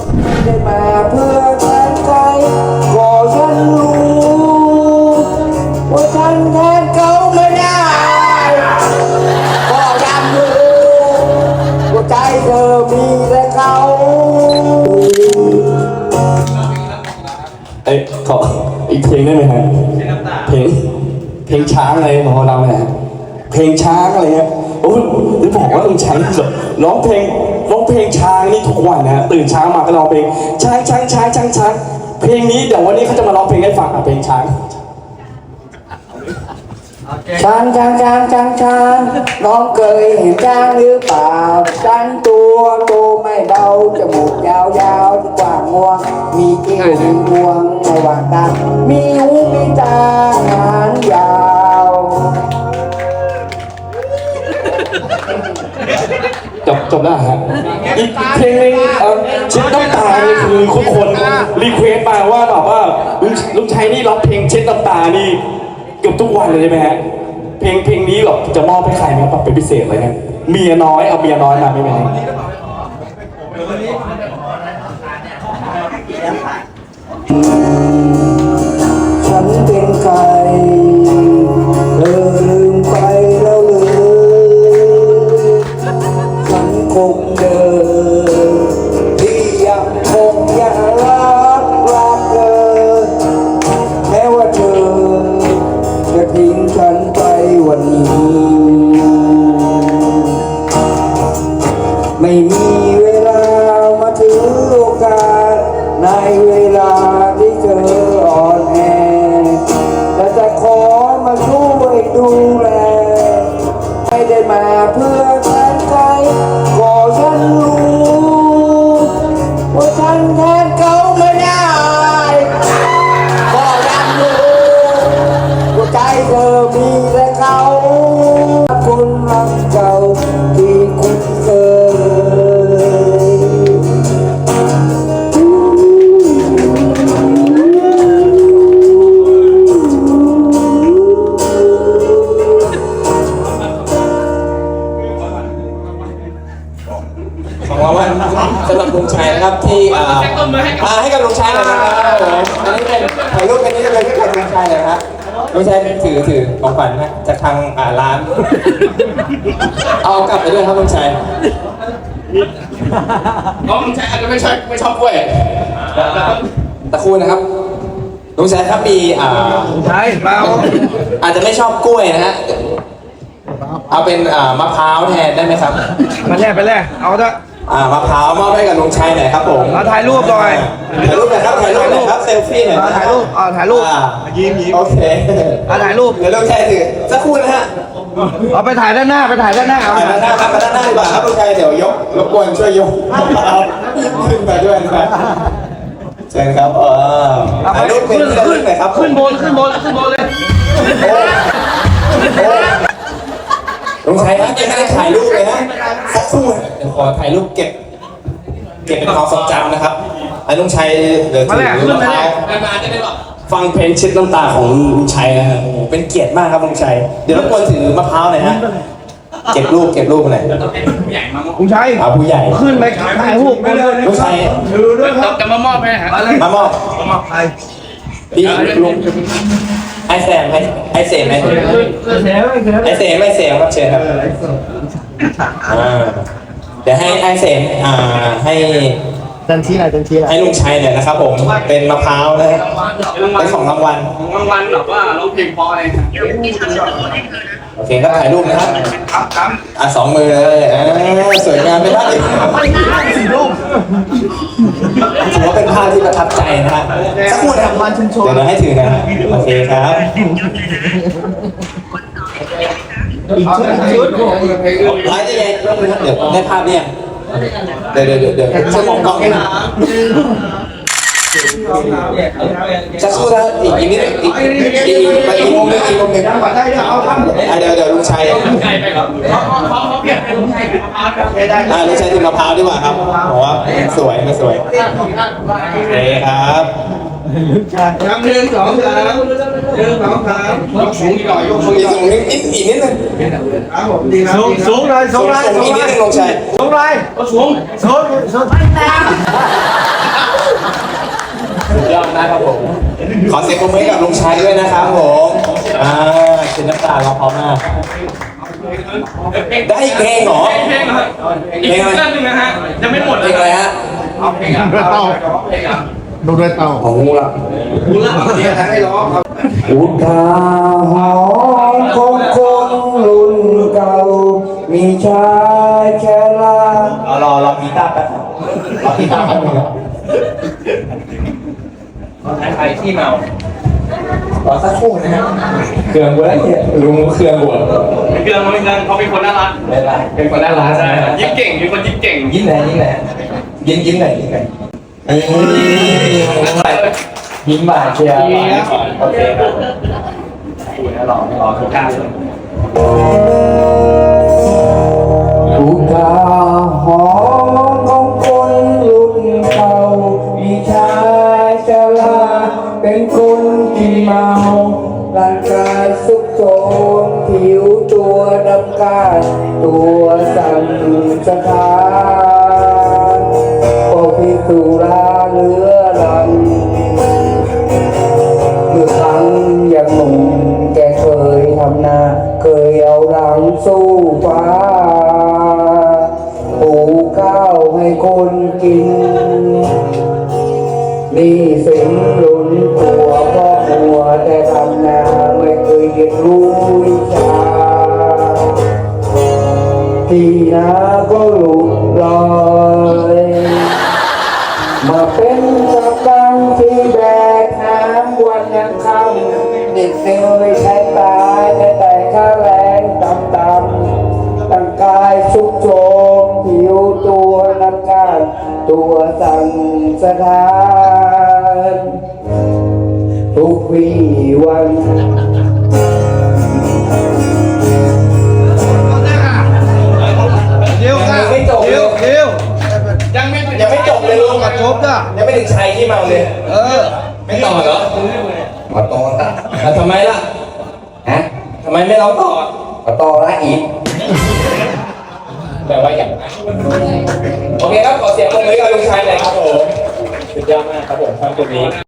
ได้มาเพื่อแทนใจก็ฉันรู้ว่าฉันแทนเขาไม่ได้ก็ยังรู้ว่าใจเธอมีแต่เขาขออีกเพลงได้ไหมฮะเพลงช้างอะไรของเราเนี่ยเพลงช้างอะไรเงี้ยโอ้ยจะบอกว่าลุงชัยร้องเพลงช้างนี่ทุกวันนะตื่นเช้ามาก็ร้องเพลงช้างเพลงนี้เดี๋ยววันนี้เขาจะมาร้องเพลงให้ฟังเพลงช้างน้องเคยเห็นช้างหรือเปล่าช้างตัวโตไม่เบาจมูกยาวที่กว้างงวงมีเกี้ยวมีงวงในวางตามีหูมีตาหางยาวจบแล้วฮะอีกเพลงนึงเช็ดน้ำตานี่คือทุกคนรีเควสต์มาว่าแบบว่าลุงชัยนี่ร้องเพลงเช็ดน้ำตานี่เกือบทุกวันเลยใช่ไหมฮะเพลงนี้แบบจะมอบให้ใครไหมครับเป็นพิเศษเลยฮะเมียน้อยเอาเมียน้อยมาไม่ไหมฉันเป็นใครเธอลืมไปแล้วหรือฉันคงเดินที่ยังคงอยากรักเธอแม้ว่าเธอจะทิ้งฉันไปวันนี้ไม่มีเวลามาถือโอกาสในเวลาที่เธออ่อนแอแต่จะขอมาช่วยดูแลไม่ได้มาเพื่อแทนใจก็ฉันรู้ว่าฉันแทนเขาไม่ได้ก็ยังรู้ว่าใจเธอมีแต่เขาคนรักเก่าที่คุ้นเคยของเราว่าสำหรับลุงชัยนะครับที่ให้กับลุงชัยหน่อยนะครับอันนี้เป็นถ่ายรูปกันนี้เลยที่กับลุงชัยเลยครับลุงชัยถือของขวัญนะจากทางร้านเอากลับไปด้วยครับลุงชัยลุงชัยอาจจะไม่ชอบกล้วยตะคูนะครับลุงชัยครับมีใช่เปล่าอาจจะไม่ชอบกล้วยนะฮะเอาเป็นมะพร้าวแทนได้ไหมครับไปแรกเอาเถอะมะพร้าวมอบให้กับลุงชัยหน่อยครับผมถ่ายรูปหน่อยถ่ายรูปหน่อยครับเซลฟี่หน่อยถ่ายรูปยิ้มโอเคถ่ายรูปเดี๋ยวลุงชัยถือสักครู่นะฮะเอาไปถ่ายด้านหน้าเอาด้านหน้าครับด้านหน้าดีกว่าครับลุงชัยเดี๋ยวยกรบกวนช่วยยกขึ้นไปด้วยนะครับเชิญครับถ่ายรูปเป็นที่ระลึกหน่อยครับขึ้นบนเลยลุงชัยครับยังไม่ได้ถ่ายรูปเลยนะสักครู่เดี๋ยวขอถ่ายรูปเก็บเป็นความทรงจำนะครับไอ้ลุงชัยเดี๋ยวถือมะพร้าวฟังเพลงเช็ดน้ำตาของลุงชัยนะฮะเป็นเกียรติมากครับลุงชัยเดี๋ยวรบกวนถือมะพร้าวหน่อยฮะเก็บรูปหน่อยลุงชัยผู้ใหญ่ขึ้นไปถ่ายรูปลุงชัยถือด้วยครับจะมามอบให้ฮะมามอบใครพี่ลุงไอเสมครับเชิญครับเดี๋ยวให้ไอเสมให้ให้ลุงชัยเนี่ยนะครับผมเป็นมะพร้าวนะเป็นของรางวัลแบบว่าร้องเพลงเพราะอะไรโอเคครับถ่ายรูปนะครับสองมือเลยสวยงามเป็นภาพที่ถือว่าเป็นภาพที่ประทับใจนะฮะสักครู่นะครับเดี๋ยวเราให้ถือนะโอเคครับไลฟ์ได้ไงเดี๋ยวได้ภาพเนี่ยเดี๋ยวจะมองกล้องให้จะสู้นะอีกนิดอีกมุมนึงเดี๋ยวลุงชัยลุงชัยถึงมะพร้าวดีกว่าครับบอกว่าสวยไม่สวยโอเคครับ 1 2 3ยกสูงอีกหน่อยอีกนิดนึงครับผมดีครับสูงเลยอีกนิดนึงลุงชัยสูงเลยสูงครับผมขอเสียงปรบมือให้กับลุงชัยด้วยนะครับผมเช็ดน้ำตาเราพร้อมมากได้อีกเพลงเหรอเพลงเหรออีกซิงเกิลหนึงนะฮะยังไม่หมดเพเลลยงอะไรฮะเอาเพลงอ่ะด้วยเต้าเพลงอ่ะดูด้วยเต้าของงูละกูเลิกเรียนให้ร้องครับอุทาหรณ์ของคนรุ่นเก่า มีชายแค่ลารอกีตาร์แป๊บรอกีตาร์แป๊บนึงครับใครที่เมารอสักครู่นะฮะเครื่องบัวแล้วเนี่ยลุงเครื่องบัวไม่เกินไม่เกินเขาเป็นคนน่ารักไม่ไรเป็นคนน่ารักใช่ยิ้มเก่งเป็นคนยิ้มเก่งยิ้มไหนยิ้มไหนยิ้มไหนยิ้มไหนยิ้มบาดเชียวโอเคครับรอทุกท่านอุทาหรณ์ของคนรุ่นเก่า มีชายชราเป็นคนที่เมาร่างกายสุกโทรมผิวตัวดำกาดตัวสั่นสะท้านพอพิสุราเรื้อรังเมื่อครั้งยังหนุ่มแกเคยทำนาเคยเอาหลังสู้ฟ้าปลูกข้าวให้คนกินนี่สินลุ้นตัวพ่อหัวแต่ทำนาไม่เคยเรียนรู้วิชาที่นาก็หลุดลอยมาเป็นกับกังที่แบกน้ำวันยังค่ำเด็กเหนื่อยใช้ตายแต่ค่าแรงต่ำๆร่างกายสุกโทรมผิวตัวน้ำกาดตัวสั่นสะท้านทุกวี่วันเดี๋ยวค่ะไม่จบเลยเดี๋ยวยังไม่จบเลยลุงจบจ้ะยังไม่ถึงชัยที่เมาเลยไม่ต่อเหรอมาต่อละทำไมล่ะฮะทำไมไม่ร้องต่อมาต่อละอีกแปลว่าอย่างนั้นโอเคครับขอเสียงปรบมือให้กับลุงชัยหน่อยครับผมสุดยอดมากครับผมท่านคนนี้